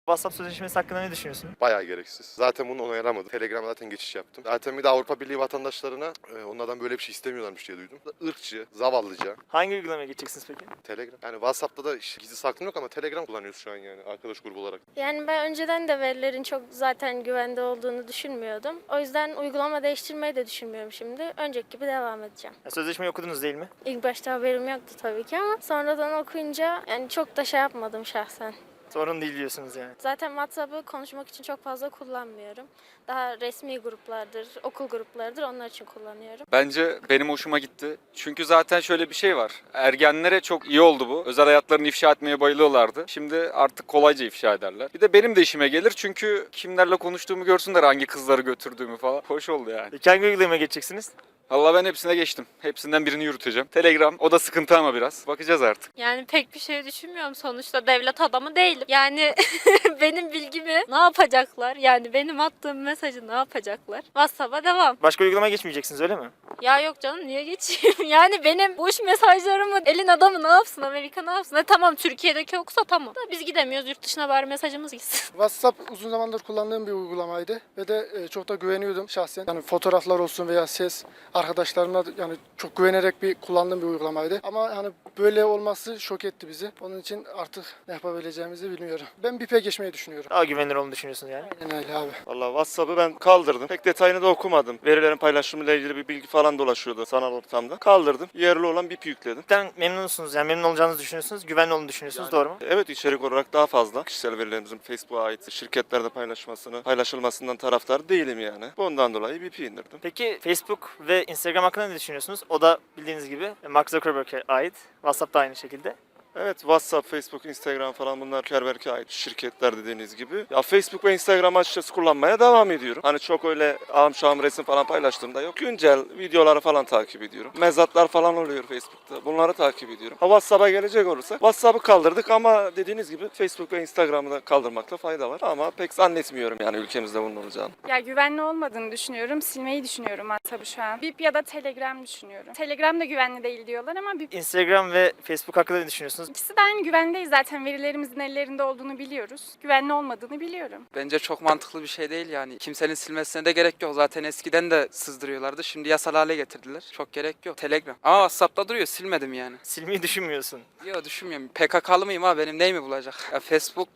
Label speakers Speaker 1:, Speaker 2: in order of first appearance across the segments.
Speaker 1: WhatsApp sözleşmesi hakkında ne düşünüyorsun?
Speaker 2: Bayağı gereksiz. Zaten bunu onaylamadım. Telegram'a zaten geçiş yaptım. Zaten bir de Avrupa Birliği vatandaşlarına onlardan böyle bir şey istemiyorlarmış diye duydum. Irkçı, zavallıca.
Speaker 1: Hangi uygulamaya geçeceksiniz peki?
Speaker 2: Telegram. Yani WhatsApp'ta da işte gizli saklım yok ama Telegram kullanıyoruz şu an yani arkadaş grubu olarak.
Speaker 3: Yani ben önceden de verilerin çok zaten güvende olduğunu düşünmüyordum. O yüzden uygulama değiştirmeyi de düşünmüyorum şimdi. Önceki gibi devam edeceğim.
Speaker 1: Sözleşmeyi okudunuz değil mi?
Speaker 3: İlk başta haberim yoktu tabii ki ama sonradan okuyunca yani çok da şey yapmadım şahsen.
Speaker 1: Sorun değil diyorsunuz yani.
Speaker 3: Zaten WhatsApp'ı konuşmak için çok fazla kullanmıyorum. Daha resmi gruplardır, okul gruplarıdır onlar için kullanıyorum.
Speaker 4: Bence benim hoşuma gitti. Çünkü zaten şöyle bir şey var. Ergenlere çok iyi oldu bu. Özel hayatlarını ifşa etmeye bayılıyorlardı. Şimdi artık kolayca ifşa ederler. Bir de benim de işime gelir çünkü kimlerle konuştuğumu görsünler, hangi kızları götürdüğümü falan. Hoş oldu yani.
Speaker 1: Peki hangi uygulamaya geçeceksiniz?
Speaker 4: Vallahi ben hepsine geçtim. Hepsinden birini yürüteceğim. Telegram, o da sıkıntı ama biraz. Bakacağız artık.
Speaker 5: Yani pek bir şey düşünmüyorum, sonuçta devlet adamı değilim. Yani benim bilgimi ne yapacaklar? Yani benim attığım mesajı ne yapacaklar? WhatsApp'a devam.
Speaker 1: Başka uygulamaya geçmeyeceksiniz öyle mi?
Speaker 5: Ya yok canım, niye geçeyim? Yani benim boş mesajlarımı elin adamı ne yapsın? Amerika ne yapsın? Tamam, Türkiye'deki yoksa tamam. Da biz gidemiyoruz, yurt dışına bari mesajımız gitsin.
Speaker 6: WhatsApp uzun zamandır kullandığım bir uygulamaydı ve de çok da güveniyordum şahsen. Yani fotoğraflar olsun veya ses, arkadaşlarımla yani çok güvenerek kullandığım bir uygulamaydı. Ama hani böyle olması şok etti bizi. Onun için artık ne yapabileceğimizi bilmiyorum. Ben BIP'e geçmeyi düşünüyorum.
Speaker 1: Daha güvenilir olduğunu düşünüyorsunuz yani.
Speaker 6: Aynen öyle abi.
Speaker 7: Valla WhatsApp'ı ben kaldırdım. Pek detayını da okumadım. Verilerin paylaşımıyla ilgili bir bilgi falan dolaşıyordu sanal ortamda. Kaldırdım. Yerli olan BIP yükledim.
Speaker 1: Cidden memnunsunuz yani memnun olacağınızı düşünüyorsunuz, güvenli olduğunu düşünüyorsunuz doğru mu?
Speaker 7: Evet, içerik olarak daha fazla. Kişisel verilerimizin Facebook'a ait şirketlerde paylaşılmasından taraftar değilim yani. Bundan dolayı BIP'i indirdim.
Speaker 1: Peki Facebook ve Instagram hakkında ne düşünüyorsunuz? O da bildiğiniz gibi Mark Zuckerberg'e ait. WhatsApp da aynı şekilde.
Speaker 7: Evet, WhatsApp, Facebook, Instagram falan bunlar Zuckerberg'e ait şirketler dediğiniz gibi. Ya Facebook ve Instagram açıkçası kullanmaya devam ediyorum. Hani çok öyle ağam şahım resim falan paylaştığımda yok. Güncel videoları falan takip ediyorum. Mezatlar falan oluyor Facebook'ta. Bunları takip ediyorum. WhatsApp'a gelecek olursak WhatsApp'ı kaldırdık ama dediğiniz gibi Facebook ve Instagram'ı da kaldırmakta fayda var. Ama pek zannetmiyorum yani ülkemizde bunun olacağını.
Speaker 8: Ya güvenli olmadığını düşünüyorum. Silmeyi düşünüyorum WhatsApp'ı şu an. BIP ya da Telegram düşünüyorum. Telegram da güvenli değil diyorlar ama BIP.
Speaker 1: Instagram ve Facebook hakkında ne düşünüyorsunuz?
Speaker 8: İkisi de aynı güvenli değil zaten. Verilerimizin ellerinde olduğunu biliyoruz. Güvenli olmadığını biliyorum.
Speaker 9: Bence çok mantıklı bir şey değil yani. Kimsenin silmesine de gerek yok. Zaten eskiden de sızdırıyorlardı. Şimdi yasal hale getirdiler. Çok gerek yok. Telegram. Ama WhatsApp'ta duruyor. Silmedim yani.
Speaker 1: Silmeyi düşünmüyorsun.
Speaker 9: Yok, düşünmüyorum. PKK'lı mıyım abi? Benim neyimi bulacak? Ya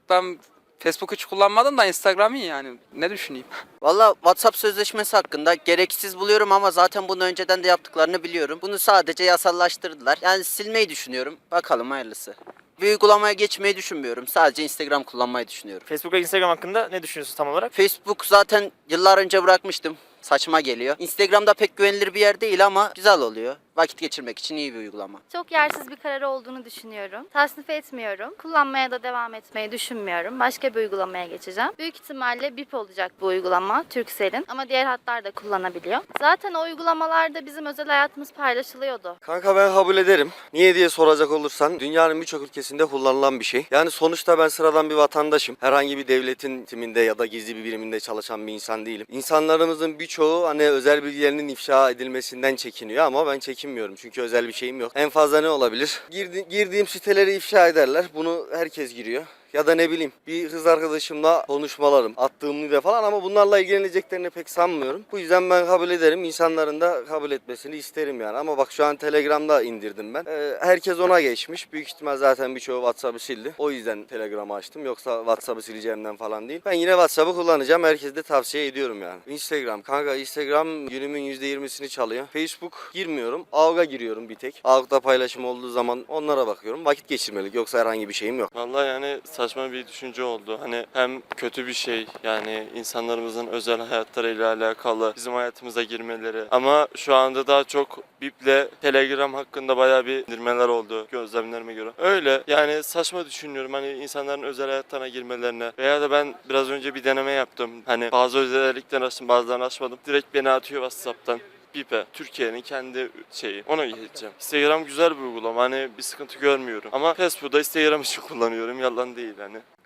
Speaker 9: Facebook hiç kullanmadım da Instagram'ı yani. Ne düşüneyim?
Speaker 10: Valla WhatsApp sözleşmesi hakkında gereksiz buluyorum ama zaten bunu önceden de yaptıklarını biliyorum. Bunu sadece yasallaştırdılar. Yani silmeyi düşünüyorum. Bakalım hayırlısı. Bir uygulamaya geçmeyi düşünmüyorum. Sadece Instagram kullanmayı düşünüyorum.
Speaker 1: Facebook ve Instagram hakkında ne düşünüyorsunuz tam olarak?
Speaker 10: Facebook zaten yıllar önce bırakmıştım. Saçma geliyor. Instagram'da pek güvenilir bir yer değil ama güzel oluyor. Vakit geçirmek için iyi bir uygulama.
Speaker 11: Çok yersiz bir karar olduğunu düşünüyorum. Tasnif etmiyorum. Kullanmaya da devam etmeyi düşünmüyorum. Başka bir uygulamaya geçeceğim. Büyük ihtimalle BIP olacak bu uygulama Turkcell'in ama diğer hatlar da kullanabiliyor. Zaten o uygulamalarda bizim özel hayatımız paylaşılıyordu.
Speaker 12: Kanka ben kabul ederim. Niye diye soracak olursan dünyanın birçok ülkesinde kullanılan bir şey. Yani sonuçta ben sıradan bir vatandaşım. Herhangi bir devletin timinde ya da gizli bir biriminde çalışan bir insan değilim. İnsanlarımızın birçoğu hani özel bilgilerinin ifşa edilmesinden çekiniyor ama ben çekinmiyorum çünkü özel bir şeyim yok. En fazla ne olabilir? Girdiğim siteleri ifşa ederler. Bunu herkes giriyor. Ya da ne bileyim bir kız arkadaşımla konuşmalarım, attığım video falan ama bunlarla ilgileneceklerini pek sanmıyorum. Bu yüzden ben kabul ederim. İnsanların da kabul etmesini isterim yani. Ama bak şu an Telegram'da indirdim ben. Herkes ona geçmiş. Büyük ihtimal zaten birçoğu WhatsApp'ı sildi. O yüzden Telegram'ı açtım. Yoksa WhatsApp'ı sileceğimden falan değil. Ben yine WhatsApp'ı kullanacağım. Herkese de tavsiye ediyorum yani. Instagram. Kanka Instagram günümün %20'sini çalıyor. Facebook girmiyorum. AVG'a giriyorum bir tek. AVG'da paylaşım olduğu zaman onlara bakıyorum. Vakit geçirmelik. Yoksa herhangi bir şeyim yok.
Speaker 7: Vallahi yani saçma bir düşünce oldu. Hani hem kötü bir şey yani insanlarımızın özel hayatlarıyla alakalı bizim hayatımıza girmeleri. Ama şu anda daha çok BIP'le Telegram hakkında bayağı bir indirmeler oldu gözlemlerime göre. Öyle yani saçma düşünüyorum hani insanların özel hayatlarına girmelerine. Veya da ben biraz önce bir deneme yaptım. Hani bazı özellikler açtım bazılarını açmadım. Direkt beni atıyor WhatsApp'tan. BIP'e. Türkiye'nin kendi şeyi. Ona geçeceğim. Instagram güzel bir uygulama. Hani bir sıkıntı görmüyorum. Ama Facebook'da Instagram için kullanıyorum. Yalan değil hani.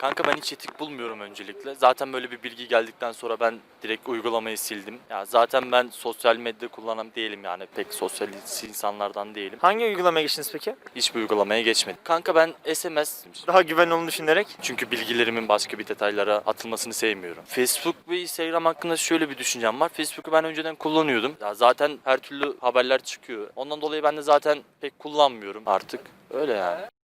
Speaker 13: Kanka ben hiç etik bulmuyorum öncelikle. Zaten böyle bir bilgi geldikten sonra ben direkt uygulamayı sildim. Ya zaten ben sosyal medya kullanan değilim yani. Pek sosyal insanlardan değilim.
Speaker 1: Hangi uygulamaya geçtiniz peki?
Speaker 13: Hiçbir uygulamaya geçmedim. Kanka ben SMS
Speaker 1: Daha güvenli olduğunu düşünerek.
Speaker 13: çünkü bilgilerimin başka bir detaylara atılmasını sevmiyorum. Facebook ve Instagram hakkında şöyle bir düşüncem var. Facebook'u ben önceden kullanıyordum. Ya zaten her türlü haberler çıkıyor. Ondan dolayı ben de zaten pek kullanmıyorum artık. Öyle yani.